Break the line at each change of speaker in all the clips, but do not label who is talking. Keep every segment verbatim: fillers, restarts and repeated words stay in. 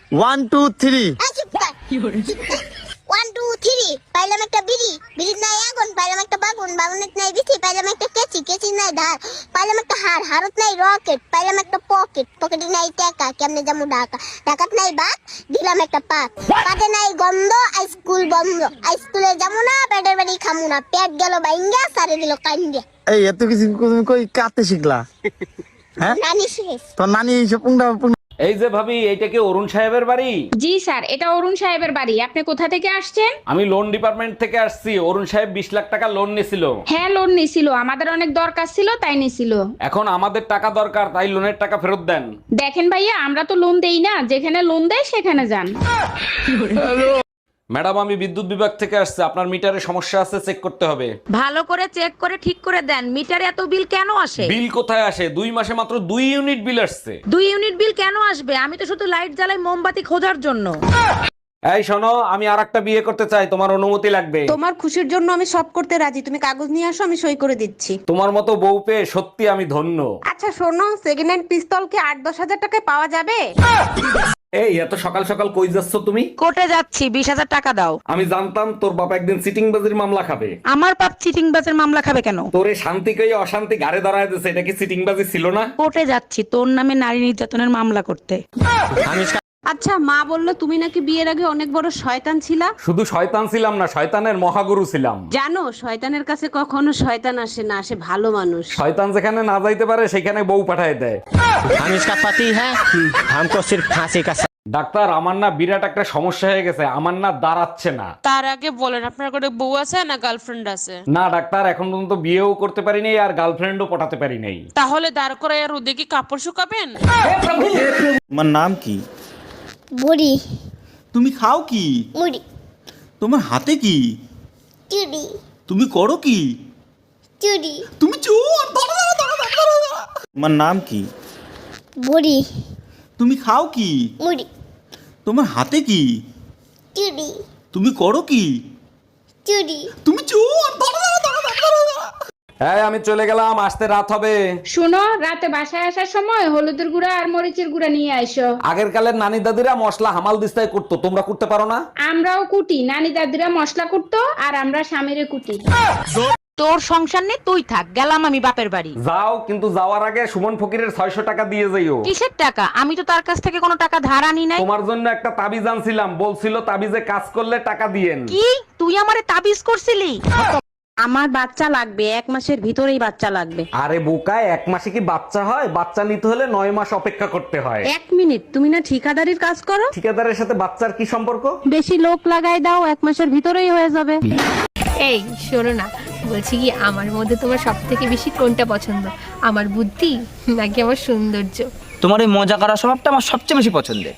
One two three.
One two three পাইলাম একটা বিড়ি, বিড়ির নাই আগুন, পাইলাম একটা বাগুন, বাগুনের নাই বিচি, পাইলাম একটা কেচি, কেচির নাই ধার, পাইলাম একটা হার, হারত নাই রকেট, পাইলাম একটা পকেট, পকেটে নাই টাকা, কেমনে যাবো ঢাকা, ঢাকাত নাই বাত, দিলাম একটা পাত, পাতে নাই গন্ধ, স্কুল বন্ধ, স্কুলে যাবো না, পেটের বাড়ি খামু না, পেট গেল বাইঙ্গা, সারে দিল কান্দিয়া।
এই এত কিছু তুমি কই কাতে শিখলা? হ্যাঁ,
নানি শেষ।
তোর নানি এইসব পুংটা পুং-
এই যে ভাবি, এইটা কি অরুণ সাহেবের বাড়ি?
জি স্যার, এটা অরুণ সাহেবের বাড়ি। আপনি কোথা থেকে আসছেন?
আমি লোন ডিপার্টমেন্ট থেকে আসছি। অরুণ সাহেব বিশ লাখ টাকা লোন নিছিল।
হ্যাঁ, লোন নিছিল, আমাদের অনেক দরকার ছিল তাই নিছিল।
এখন আমাদের টাকা দরকার, তাই লোনের টাকা ফেরত দেন।
দেখেন ভাইয়া, আমরা তো লোন দেই না, যেখানে লোন দেয় সেখানে যান।
ম্যাডাম, আমি বিদ্যুৎ বিভাগ থেকে আসছে, আপনার মিটারে সমস্যা আছে, চেক করতে হবে।
ভালো করে চেক করে ঠিক করে দেন। মিটারে এত বিল কেন আসে?
বিল কোথায় আসে? দুই মাসে মাত্র দুই ইউনিট বিল আসছে।
দুই ইউনিট বিল কেন আসবে? আমি তো শুধু লাইট জ্বালাই মোমবাতি খোঁজার জন্য।
এই শোনো, আমি আর একটা বিয়ে করতে চাই, তোমার অনুমতি লাগবে।
তোমার খুশির জন্য আমি সব করতে রাজি, তুমি কাগজ নিয়ে আসো, আমি সই করে দিচ্ছি।
তোমার মতো বউ পেয়ে সত্যি আমি ধন্য।
আচ্ছা শোনো, সেকেন্ড হ্যান্ড পিস্তল কি আট দশ হাজার টাকায় পাওয়া যাবে?
এই এত সকাল সকাল কই যাচ্ছ তুমি?
কোর্টে যাচ্ছি, বিশ হাজার টাকা দাও।
আমি জানতাম তোর বাবা একদিন সিটিং বাজির মামলা খাবে।
আমার বাপ চিটিং বাজের মামলা খাবে কেন?
তোরে শান্তি কই অশান্তি গাড়ে দাঁড়ায় দিছে, এটা কি সিটিং বাজি ছিল না?
কোর্টে যাচ্ছি তোর নামে নারী নির্যাতনের মামলা করতে।
আচ্ছা, মা বললো তুমি নাকি বিয়ের আগে অনেক বড় শয়তান ছিলা।
শুধু শয়তান ছিলাম না, শয়তানের মহাগুরু ছিলাম।
জানো, শয়তানের কাছে কখনো শয়তান আসে না, আসে ভালো মানুষ।
শয়তান যেখানে না যাইতে পারে সেখানে বউ পাঠায় দেয়।
हम इसका पति है, हमको सिर्फ फांसी का सजा।
ডাক্তার, আমার না বিরাট একটা সমস্যা হয়ে গেছে, আমার না দাঁড়াচ্ছে না।
তার আগে বলেন আপনার কোনো বউ আছে না গার্লফ্রেন্ড আছে?
না ডাক্তার, এখন পর্যন্ত বিয়েও করতে পারি নাই আর গার্লফ্রেন্ডও পটাতে পারি নাই।
তাহলে দাঁড় করে আর রোদে কি কাপড় শুকাবেন?
তোমার নাম কি?
বুড়ি,
তুমি খাও কি?
মুড়ি,
তোমার হাতে কি?
চুড়ি,
তুমি করো কি?
চুড়ি,
তুমি চোর! দাঁড়া, দাঁড়া, দাঁড়া, দাঁড়া, দাঁড়া। তোমার নাম কি?
বুড়ি,
তুমি খাও কি?
মুড়ি,
তোমার হাতে কি?
চুড়ি,
তুমি করো কি?
চুড়ি।
তুমি চোর! দাঁড়া, দাঁড়া, দাঁড়া, দাঁড়া, দাঁড়া।
হ্যাঁ, আমি চলে গেলাম, আসতে রাত হবে।
শুনো, রাতে বাসায় আসার সময় হলুদের গুঁড়া আর মরিচের গুঁড়া নিয়ে আইসো।
আগের কালের নানি দাদিরা মশলা হামাল দিস্তায় করতো, তোমরা করতে পারো না?
আমরাও কুটি, নানি দাদিরা মশলা কুটতো আর আমরা স্বামীরে কুটি।
তোর সংসার নেই, তুই থাক, গেলাম আমি বাপের বাড়ি।
যাও, কিন্তু যাওয়ার আগে সুমন ফকিরের ছয়শ টাকা দিয়ে যাইও।
কিসের টাকা? আমি তো তার কাছ থেকে কোনো টাকা ধার আনি নাই।
তোমার জন্য একটা তাবিজ আনছিলাম, বলছিল তাবিজে কাজ করলে টাকা দিয়েন।
কি তুই আমারে তাবিজ করছিলি? আমার বাচ্চা লাগবে, এক মাসের ভিতরেই বাচ্চা লাগবে।
আরে বোকায়, এক মাসে কি বাচ্চা হয়? বাচ্চা নিতে হলে নয় মাস অপেক্ষা করতে হয়।
এক মিনিট, তুমি না ঠিকাদারির কাজ করো?
ঠিকাদারের সাথে বাচ্চার কি সম্পর্ক?
বেশি লোক লাগাই দাও, এক মাসের ভিতরেই হয়ে যাবে।
এই শোনো না, বলছি কি আমার মধ্যে তোমার সব থেকে বেশি কোনটা পছন্দ, আমার বুদ্ধি নাকি আমার সৌন্দর্য?
তোমার এই মজা করার স্বভাবটা আমার সবচেয়ে বেশি পছন্দের।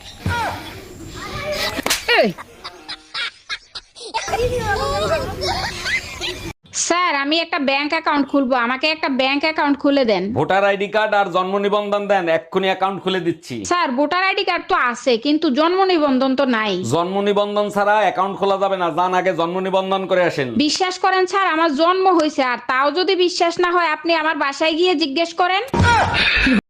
স্যার, আমি একটা ব্যাংক অ্যাকাউন্ট খুলবো, আমাকে একটা ব্যাংক অ্যাকাউন্ট খুলে দেন।
ভোটার আইডি কার্ড আর জন্ম নিবন্ধন দেন, এক্ষুনি অ্যাকাউন্ট খুলে দিচ্ছি।
স্যার, ভোটার আইডি কার্ড তো আছে কিন্তু জন্ম নিবন্ধন তো নাই।
জন্ম নিবন্ধন ছাড়া অ্যাকাউন্ট খোলা যাবে না, যান আগে জন্ম নিবন্ধন করে আসেন।
বিশ্বাস করেন স্যার, আমার জন্ম হয়েছে, আর তাও যদি বিশ্বাস না হয় আপনি আমার বাসায় গিয়ে জিজ্ঞেস করেন।